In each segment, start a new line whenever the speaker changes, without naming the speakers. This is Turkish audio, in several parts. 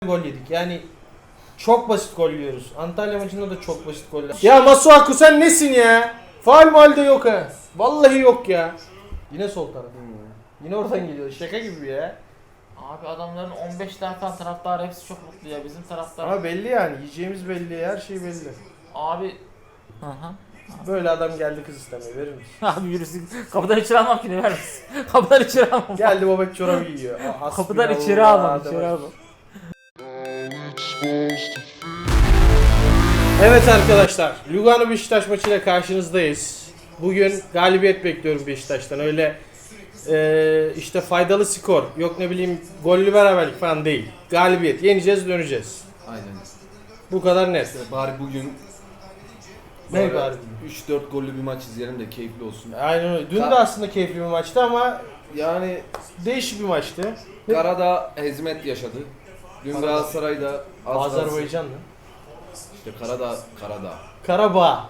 gol yedik. Yani çok basit gol yiyoruz. Antalya maçında da çok basit goller. Ya Masuaku sen nesin ya? Faul mal de yok ha. Vallahi yok ya. Yine sol taraf. Yine oradan geliyor. Şaka gibi ya.
Abi adamların 15 tane falan taraftarı hepsi çok mutlu ya. Bizim taraftar.
Ama belli yani. Yiyeceğimiz belli. Her şey belli.
Abi. Hı.
Böyle adam geldi kız istemeye. Verir misin?
Abi yürüsün. Kapıdan içeri almam ki ne ver misin? Kapıdan içeri almam.
Geldi babak çorabı yiyor.
Kapıdan içeri almam. İçeri almam.
Evet arkadaşlar, Lugano Beşiktaş maçıyla karşınızdayız. Bugün galibiyet bekliyorum Beşiktaş'tan. Öyle işte faydalı skor, yok ne bileyim gollü beraberlik falan değil. Galibiyet, yeneceğiz, döneceğiz.
Aynen.
Bu kadar net.
Bari bugün
Ne bari?
3-4 gollü bir maç izleyelim de keyifli olsun.
Aynen öyle. Dün de aslında keyifli bir maçtı ama
Yani
değişik bir maçtı.
Karadağ hezmet yaşadı. Dün
Karadağ.
Galatasaray'da
Azerbaycan'la.
İşte Karadağ.
Karabağ.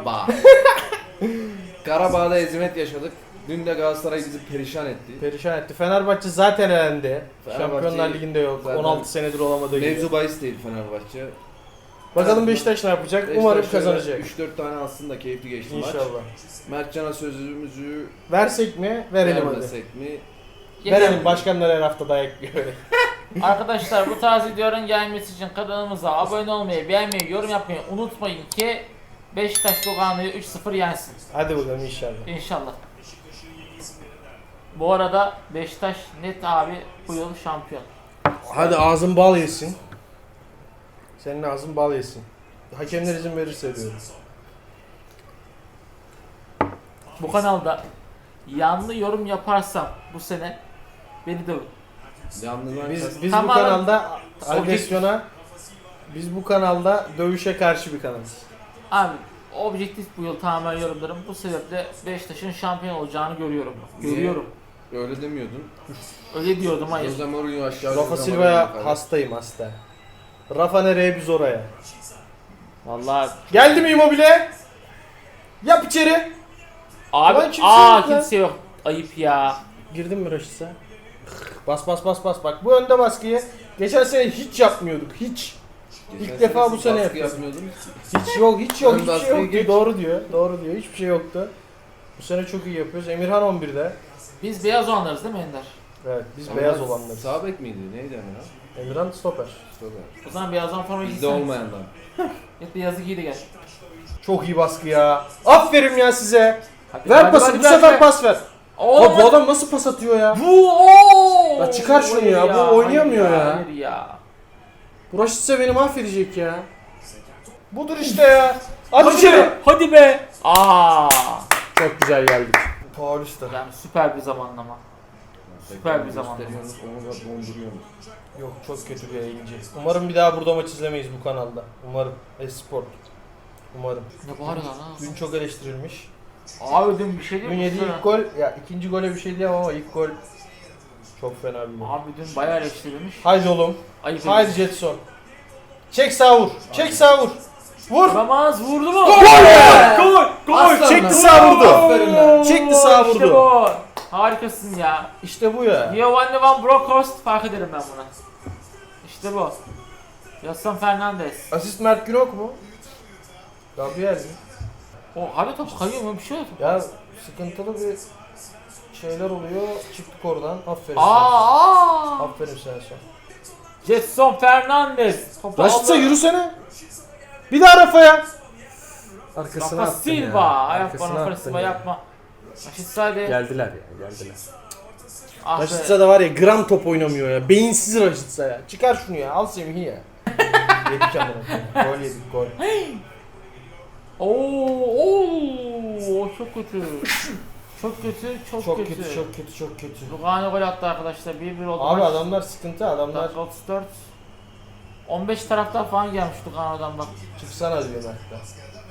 Karabağ'da hezmet yaşadık. Dün de Galatasaray bizi perişan etti.
Perişan etti. Fenerbahçe zaten elendi.
Fenerbahçe
Şampiyonlar Ligi'nde yok.
zaten
16 senedir olamadığı gibi.
Mevzu bahis değil Fenerbahçe.
Bakalım Beşiktaş ne yapacak? Umarım kazanacak.
3-4 tane aslında keyifli geçti maç.
İnşallah.
Mertcan'a sözümüzü
Versek mi? Verelim hadi.
vermesek mi?
Verelim, başkanlar her hafta dayak yiyor.
Arkadaşlar bu tarz videoların gelmesi için kanalımıza abone olmayı, beğenmeyi, yorum yapmayı unutmayın ki Beşiktaş Lugano'yu 3-0 yensin.
Hadi bakalım inşallah.
İnşallah. Bu arada Beşiktaş net abi bu yıl şampiyon.
Hadi ağzın bal yesin. Senin ağzın bal yesin. Hakemler izin verirse diyorum.
Bu kanalda yanlı yorum yaparsam bu sene beni dövün.
Yanlılar
Biz bu
Tamamen
kanalda agresyona, biz bu kanalda dövüşe karşı bir kanalız.
Abi objektif bu yıl tamamen yorumlarım. Bu sebeple Beşiktaş'ın şampiyon olacağını görüyorum. Görüyorum.
öyle demiyordun.
Öyle diyordum hayır.
Jose Mourinho aşağı.
Rafa Silva'ya hastayım hasta. Rafa nereye biz oraya.
Vallahi
Geldi mi Immobile? Yap içeri.
abi
Ulan kimse yok lan.
kimse yok. Ayıp ya.
Girdin mi Raşit'e? Bas. Bak bu önde baskıyı geçen sene hiç yapmıyorduk. Hiç. İlk defa bu sene yapıyoruz. Hiç yok.
Ön
Hiçbir şey
baskıyı
yoktu.
geç.
Doğru diyor. Hiçbir şey yoktu. Bu sene çok iyi yapıyoruz. Emirhan 11'de.
Biz beyaz olanlarız değil mi Ender?
Evet, biz beyaz olanlarız.
Sağ bek miydi? Neydi Emre?
Emirhan stoper.
O zaman beyazdan forma
Bizde
giysene.
olmayandan.
Git beyazı giy de gel.
Çok iyi baskı ya. Aferin ya size.
Hadi,
Ver
hadi,
pası.
hadi,
Bu
ver,
sefer
ver.
pas ver.
Oğlum,
Bu adam nasıl pas atıyor ya?
Bu ooo.
Ya çıkar şunu
Hayır
ya, bu oynayamıyor ya.
Hayır ya.
Bu Raşit'se beni mahvedecek ya. Budur işte ya. Hadi içeri.
Hadi be. Aa.
Çok güzel geldik. Paulista.
Yani süper bir zamanlama. Süper bir zamanlama.
Gösteriyorsunuz, onu da donduruyorsunuz.
Yok, çok kötü bir yayıncı. Umarım bir daha burada maç izlemeyiz bu kanalda. Umarım. Esport. Umarım.
Ne var lan ha?
Dün çok eleştirilmiş.
Abi dün bir şey
Dün
değil mi?
yediği ilk gol, ya ikinci gole bir şey diyemem ama ilk gol çok fena bir gol.
Abi dün bayağı eleştirilmiş.
Haydi oğlum.
Ayıp
Haydi Jetson. Çek sağ vur. Çek sağ vur. Vur.
Ramaz vurdu mu?
Gol be! Gol!
Aslan
Çekti
lan.
sağ vurdu.
Aferin lan.
Çekti sağ
İşte
vurdu.
bu. Harikasın ya.
İşte bu ya.
Giovanni Van Bronckhorst fark ederim ben buna. İşte bu. Yasson Fernandez.
Asist Mert Günok mu? Gabriel mi?
O hadi top kayıyor mu? Bir şey yok.
Ya sıkıntılı bir şeyler oluyor. Çıktık oradan. Aferin sana.
Aa!
Aferin sana.
Jetson Fernandez. Topu
Raşit'se
aldı.
yürüsene. Bir daha Rafa'ya. Arkasına
Rafa
attın
Silva.
ya.
Ayak
Arkasına
bana
attın
Silva
ya.
yapma. Raşit Sade.
Geldiler ya, geldiler.
Ah be.
Raşit'se de var ya, gram top oynamıyor ya. Beyinsiz Raşit'se ya. Çıkar şunu ya. Al Semih'i ya. Yedik amına. Gol yedik, gol.
Oo, çok kötü. Çok kötü,
Çok kötü.
Lugano gol attı arkadaşlar. 1-1 oldu.
Abi
maç.
adamlar sıkıntı, adamlar.
Dakika 34. 15 taraftar falan gelmiş Lugano'dan bak.
Çıksana diyor Mert'ten.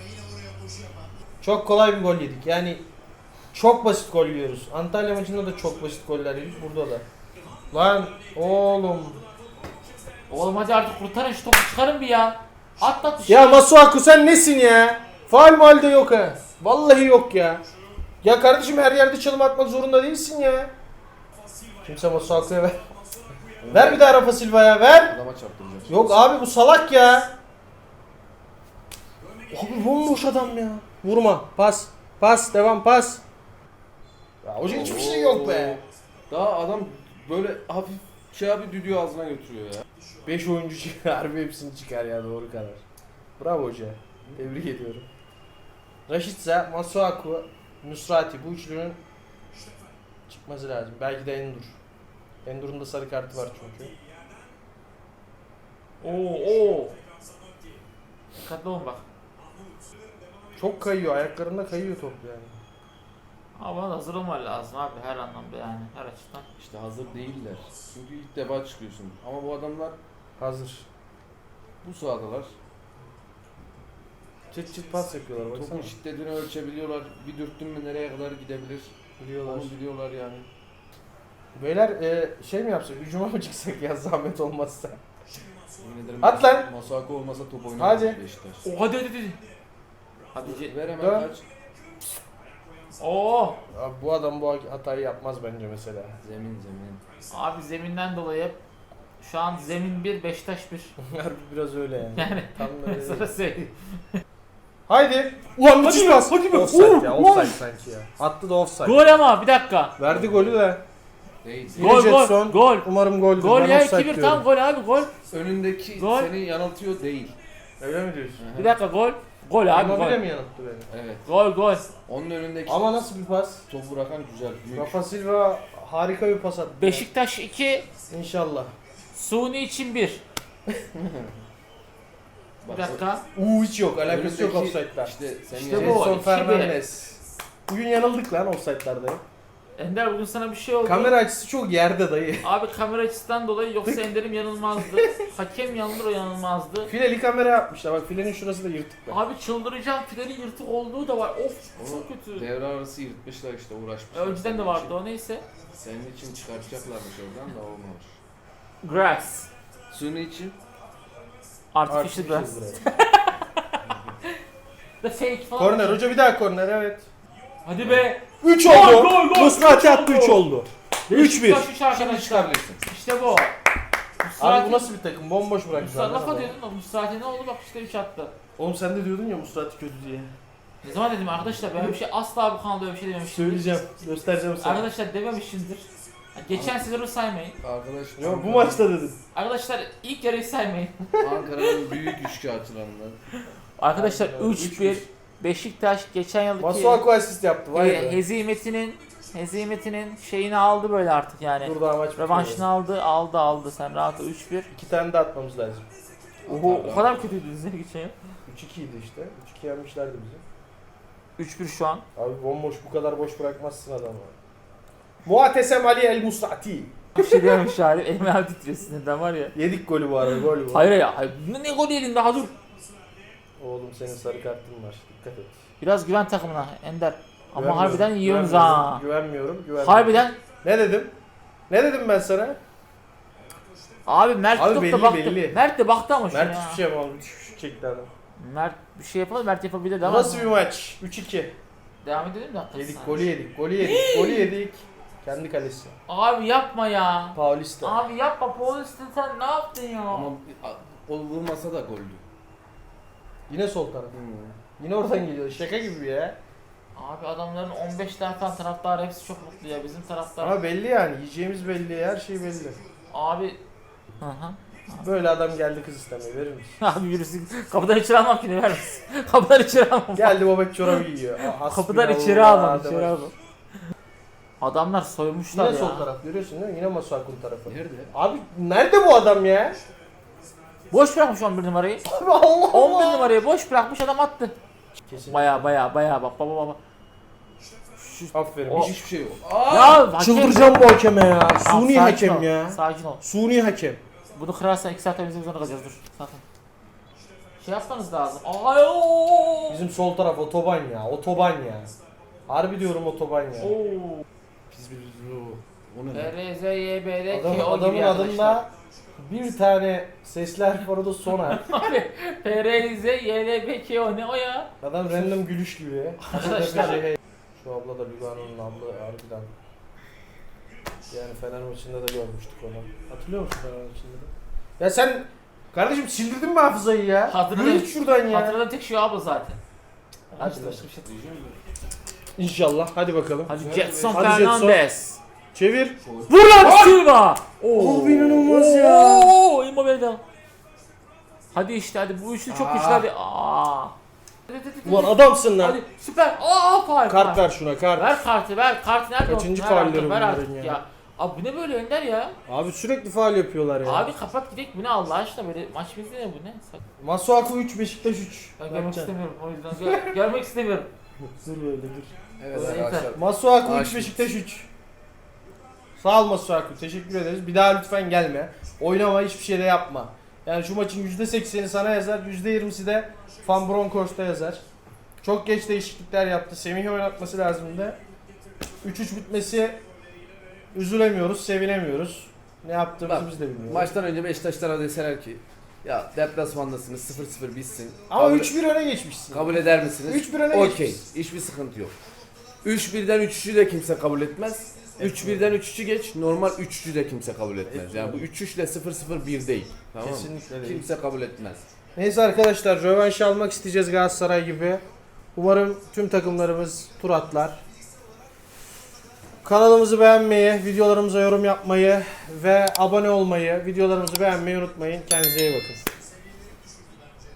Çok kolay bir gol yedik. Yani çok basit gol yiyoruz. Antalya maçında da çok basit goller yedik. Burada da. Lan oğlum.
Oğlum hadi artık kurtarın şu topu, çıkarın bir ya. Atlat bir şey.
Ya Masuaku sen nesin ya? Faul mal de yok ha. Vallahi yok ya. Ya kardeşim, her yerde çalım atmak zorunda değilsin ya. Kimse Masuaku'ya ver. Ver bir daha Rafa Silva'ya ver.
Adama çarptıracağım.
Yok abi bu salak ya. Abi bomboş adam ya. Vurma. Pas. Pas. Devam pas. Ya hoca hiçbir şey yok be.
Daha adam böyle hafif şey abi düdüğü ağzına götürüyor ya.
5 oyuncu çıkar. Harbi hepsini çıkar ya doğru karar. Bravo hoca. Tebrik ediyorum. Rashica, Masuaku, Nusrati bu üçlünün çıkması lazım. Belki de Endur. Endur'un da sarı kartı var çünkü.
Oo. Dikkatli olun bak.
Çok kayıyor. Ayaklarında kayıyor top yani.
Ama bana da hazır olman lazım abi her anlamda yani her açıdan.
İşte hazır değiller. Çünkü ilk defa çıkıyorsun. Ama bu adamlar
Hazır.
bu sahadalar.
Çıt çıt pas yapıyorlar baksana.
Topun şiddetini ölçebiliyorlar. Bir dürttün mü nereye kadar gidebilir.
Biliyorlar.
Onu biliyorlar yani.
Beyler şey mi yapsak? Hücuma mı çıksak ya zahmet olmazsa?
Yemin ederim
At lan!
Masuaku olmasa top
Hadi.
oynamaz Beşiktaş.
Hadi. Hadi.
Ver hemen
Dön.
kaç.
Oo.
Abi bu adam bu hatayı yapmaz bence mesela.
Zemin.
Abi zeminden dolayı şu an zemin 1 Beşiktaş 1.
Harbi biraz öyle yani.
Yani
Tam da
sana
öyle.
söyleyeyim.
Haydi. Ulan müthiş
Hadi be,
pas.
hadi be.
Offside ya.
Ulan.
Offside sanki ya. Attı da offside.
Gol ama bir dakika.
Verdi golü de.
Değil.
Gol
Jetson.
gol.
Umarım goldür.
Gol
Ben
ya
offside
2-1
diyorum.
tam gol abi gol.
Önündeki
Gol.
seni yanıltıyor değil.
Öyle mi diyorsun?
Bir dakika gol. Gol abi
Immobile
gol.
mi yanılttı beni?
Evet.
Gol.
Onun önündeki
Ama nasıl bir pas?
topu bırakan güzel. Büyük.
Rafa Silva harika bir pas attı.
Beşiktaş 2,
İnşallah.
Suni için 1. Bir dakika.
Hiç yok. Alakası yok
Önündeki
offside'da.
İşte senin
İşte
yani-
bu.
Edson
2-1.
Fernandez. Bugün yanıldık lan offside'larda.
Ender bugün sana bir şey oldu.
Kamera açısı çok yerde dayı.
Abi kamera açısından dolayı yoksa Ender'im yanılmazdı. Hakem yanılır o yanılmazdı.
Fileli kamera yapmışlar. Bak filenin şurası da yırtık. Bak.
Abi çıldıracağım filenin yırtık olduğu da var. Of
Onu
çok kötü.
devre arası yırtmışlar işte uğraşmışlar.
Önceden de
Senin
vardı
için.
o neyse.
Senin için çıkartacaklarmış oradan da olmamış.
Grass.
Suni için
Artificial grass. The fake falan.
Korner hoca bir daha korner evet.
Hadi be.
3
Gol,
oldu.
gol, gol.
Musrati
Üç
attı
oldu.
3 oldu. 3-1.
Beşiktaş 3
şimdi
arkadaşlar.
çıkabilirsin.
İşte bu.
Abi bu nasıl bir takım? Bomboş bıraktılar.
Mustafa diyordun da Mustafa ne oldu bak işte 3 attı.
Oğlum sen de diyordun ya Musrati kötü diye.
Ne zaman dedim arkadaşlar ben bir şey asla bu kanalda öyle bir şey dememiştim.
Söyleyeceğim. Göstereceğim sana.
Arkadaşlar dememişimdir. Geçen sezonu saymayın.
Arkadaş
Yok bu maçta dedin.
Arkadaşlar ilk yarıyı saymayın.
Ankara'nın büyük üçkağıtçılarından.
Arkadaşlar
Aynen öyle.
3-1 Beşiktaş geçen yılki
Masuaku asist yaptı. Vay be.
hezimetinin şeyini aldı böyle artık yani.
Dur daha maç bitmedi.
Revanşını aldı sen rahat 3-1.
2 tane de atmamız lazım.
Oho o kadar kötüydü size geçen yıl.
3-2 idi işte. 3-2 yenmişlerdi bizi.
3-1 şu an.
Abi bomboş bu kadar boş bırakmazsın adamı. Muatesem Ali El Musrati.
Bir şey diyormuş yani elime abi titriyor sinirden var ya.
Yedik golü bu arada gol bu.
Hayır ya hayır. Ne gol yedin daha dur.
Oğlum senin sarı kartın var. Dikkat et.
Biraz güven takımına Ender. Ama
Güvenmiyorum,
harbiden yiyorsunuz
güvenmiyorum,
ha.
Güvenmiyorum.
Harbiden.
Ne dedim? Ne dedim ben sana?
Abi Mert
Abi
çok
belli,
da baktı.
belli.
Mert de baktı ama şuna
Mert
ya.
hiçbir şey yapamadı. Şut çekti adam.
Mert bir şey yapalım Mert yapabilir
Bu
de
nasıl bir maç? 3-2.
Devam edelim de hakikaten.
Yedik, golü yedik, golü yedik, golü yedik. Kendi kalesi.
Abi yapma ya.
Paulista.
Abi yapma Paulistin sen ne yaptın ya?
Ama o vurmasa da goldü.
Yine sol taraf. Yine oradan geliyor. Şaka gibi ya.
Abi adamların 15 tane falan taraftarı hepsi çok mutlu ya bizim taraftar.
Ama belli yani. Yiyeceğimiz belli. Her şey belli.
Abi. Hı hı.
Böyle adam geldi kız istemeye. Verir misin?
Abi birisi kapıdan içeri almam ki ne ver misin? Kapıdan içeri almam.
Geldi babak çorabı giyiyor.
Kapıdan içeri almam. İçeri almam. Adamlar soymuşlar
Yine
ya.
sol taraf görüyorsun değil mi? Yine Masuaku'nun tarafı.
Nerede?
Abi nerede bu adam ya?
Boş bırakmış 11 numarayı.
Abi Allah
11
Allah.
numarayı boş bırakmış adam attı.
Kesin.
Baya bak baba.
Aferin.
O-
Hiçbir şey yok.
Ya hakem.
Çıldıracağım bu hakeme ya.
Tamam,
Suni
sakin
hakem
ol,
ya.
Sakin ol.
Suni hakem.
Bunu kırarsan 2 saat temizlemek zorunda kalacağız dur. Sakın. Şey yapmanız lazım. Ayo.
Bizim sol taraf otoban ya. Otoban ya. Harbi diyorum otoban ya.
Oo.
Pis bir o ne?
RZYB'de KO gibi
Adamın
arkadaşlar.
adında bir tane sesler var o da Soner.
Abi PRZYBKO ne o ya?
Adam random gülüş gibi.
Arkadaşlar.
Şu abla da Lugano'nun abla harbiden. Yani Fener maçında da görmüştük onu. Hatırlıyor musun Fener maçında da? Ya sen kardeşim sildirdin mi hafızayı ya?
Hatırladım.
Yürü git şuradan ya.
Hatırladığım tek şey abi zaten. Hadi
İşte.
başka bir şey diyeceğim.
İnşallah. Hadi bakalım.
Hadi
Hadi
Jetson
Jetson.
Fernandez.
Çevir.
Vur lan Silva.
Abi inanılmaz ya.
Oo, Immobile. Hadi işte hadi bu üçlü çok güçlü hadi. Aa.
Ulan adamsın lan.
Hadi süper. Aa faul.
Kart ver şuna kart.
Ver kartı ver. Kartı nerede?
Kaçıncı
Ver
faulleri
artık, ver
bunların
artık
ya?
ya. Abi bu ne böyle Önder ya?
Abi sürekli faul yapıyorlar ya.
Abi kapat gidelim bu ne Allah aşkına böyle maç bizde ne bu ne?
Masuaku 3, Beşiktaş 3.
Ben görmek istemiyorum o yüzden görmek istemiyorum.
Dur böyle dur.
Evet
Neyse.
arkadaşlar.
Masuaku 3,
Maaş
Beşiktaş 3. Sağ ol Masuaku. Teşekkür ederiz. Bir daha lütfen gelme. Oynama, hiçbir şey de yapma. Yani şu maçın %80'i sana yazar, %20'si de Van Bronckhorst'a yazar. Çok geç değişiklikler yaptı. Semih'i oynatması lazımdı. 3-3 bitmesi üzülemiyoruz, sevinemiyoruz. Ne yaptığımızı
Bak,
biz de bilmiyoruz.
Maçtan önce Beşiktaşlara deseler ki ya deplasmandasınız 0-0 bitsin.
Ama
Kabul-
3-1 öne geçmişsin.
Kabul eder misiniz?
3-1 öne
Okey.
geçmişsin.
Hiçbir sıkıntı yok. 3-1'den 3-3'ü de kimse kabul etmez. 3-1'den 3-3'ü geç. Normal 3-3'ü de kimse kabul etmez. Yani bu 3-3 ile 0-0 1 değil. Tamam mı?
Kesinlikle değil.
Kimse kabul etmez.
Neyse arkadaşlar, rövanş almak isteyeceğiz Galatasaray gibi. Umarım tüm takımlarımız tur atlar. Kanalımızı beğenmeyi, videolarımıza yorum yapmayı ve abone olmayı, videolarımızı beğenmeyi unutmayın. Kendinize iyi bakın.